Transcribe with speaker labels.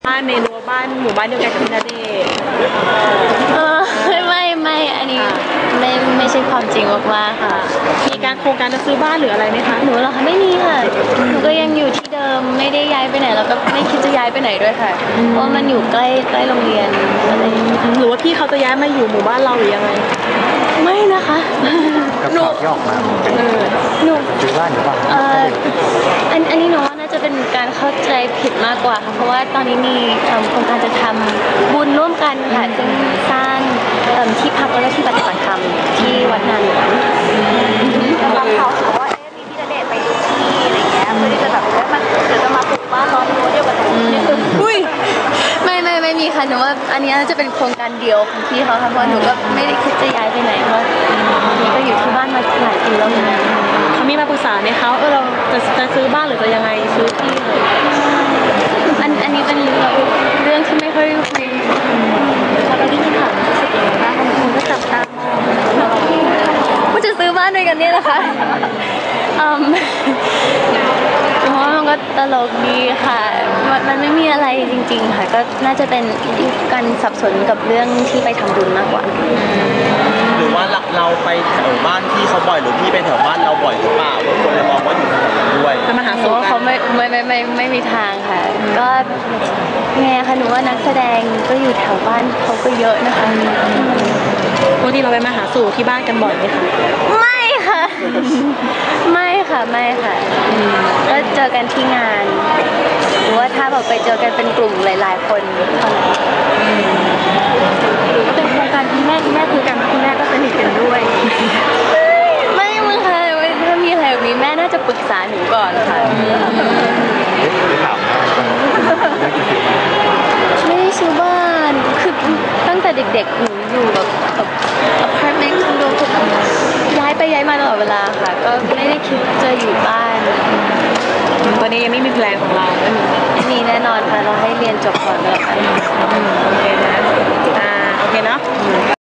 Speaker 1: บ้านในรั้วบ้านหมู่บ้านเดียวกันกับพี่ณเดชน์
Speaker 2: ไม่อันนี้ไม่ใช่ความจริงมากๆค่ะ
Speaker 1: มีการโครงการจะซื้อบ้านหรืออะไรไหมคะ
Speaker 2: หนูเหรอคะไม่มีค่ะหนูก็ยังอยู่ที่เดิมไม่ได้ย้ายไปไหนแล้วก็ไม่คิดจะย้ายไปไหนด้วยค่ะเพราะมันอยู่ใกล้โรงเรียนอะไร
Speaker 1: หรือว่าพี่เขาจะย้ายมาอยู่หมู่บ้านเราหรือยังไง
Speaker 2: ไม่นะคะ
Speaker 3: กับข่าวที่ออกมา
Speaker 2: หนู
Speaker 3: ซื้อบ้านหรือเปล่า
Speaker 2: อันนี้หนูว่าน่าจะเป็นการเข้าใจผิดมากกว่าค่ะเพราะว่าตอนนี้มีโครงการจะทำบุญร่วมกันค่ะซึ่งสร้างที่พักแล้วก็ที่ปฏิบัติธรรมที่วัดนาหลวง
Speaker 4: บางเขาบอกว่ามีพี่ณเดชน์ไปดูที่อะไรเงี้ยเพื่อที่จะแบบมันเดี๋ยวจะมาปลูกบ้านล้อมรั้วเดียวกันนี่คือ
Speaker 2: อุ้ยไม่มีค่ะหนูว่าอันนี้จะเป็นโครงการเดียวของพี่เขาค่ะเพราะหนูก็ไม่ได้คิดจะย้ายไปไหนเพราะนี่ก็อยู่ที่บ้านมาหลายปีแล้วนะ
Speaker 1: เขามีมาปรึกษาไหมคะเราจะซื้อบ้านหรือจะยังไงซื้อที่เลย
Speaker 2: อันนี้เป็นเรื่องที่ไม่ค่อยคุยแล้วก็ที่ถามรู้สึกยังไงบ้างบางคนก็จับตามว่าจะซื้อบ้านด้วยกันเนี่ยนะคะเพราะมันก็ตลกดีค่ะมันไม่มีอะไรจริงๆค่ะก็น่าจะเป็นการสับสนกับเรื่องที่ไปทำบุญมากกว่า
Speaker 5: หรือว่าเราไปแถวบ้านที่เขาบ่อยหรือพี่ไปแถวบ้านเราบ่อยหรือเปล่าคนเลยมองว่าอยู่แถวนั้นด้วย
Speaker 1: จะมาหาสู่กัน
Speaker 2: เขาไม่มีทางค่ะก็ไงคะหนูว่านักแสดงก็อยู่แถวบ้านเขาก็เยอะนะคะ
Speaker 1: ปกติเราไปมาหาสู่ที่บ้านกันบ่อยไหมคะ
Speaker 2: ไม่ค่ะก็เจอกันที่งานหรือว่าถ้าแบบไปเจอกันเป็นกลุ่มหลายๆคนเท่านั้น
Speaker 1: หรือว่าเป็นโครงการคุณแม่คุยกันคุณแม่ก็สนิทกันด้วย
Speaker 2: ไม่มึงค่ะถ้ามีอะไรแบบนี้แม่น่าจะปรึกษาหนูก่อนค่ะไม่ได้ซื้อบ้านคือตั้งแต่เด็กๆหนูอยู่แบบอพาร์ตเมนต์คอนโดทุกย้ายไปย้ายมาตลอดเวลาค่ะก็ไม่ได้คิดจะอยู่บ้าน
Speaker 1: ตอนนี้ยังไม่มีแพลนของเรา
Speaker 2: ไม่มีแน่นอนค่ะเราให้เรียนจบก่อนแล้วกัน
Speaker 1: โอเคนะโอเคเนาะ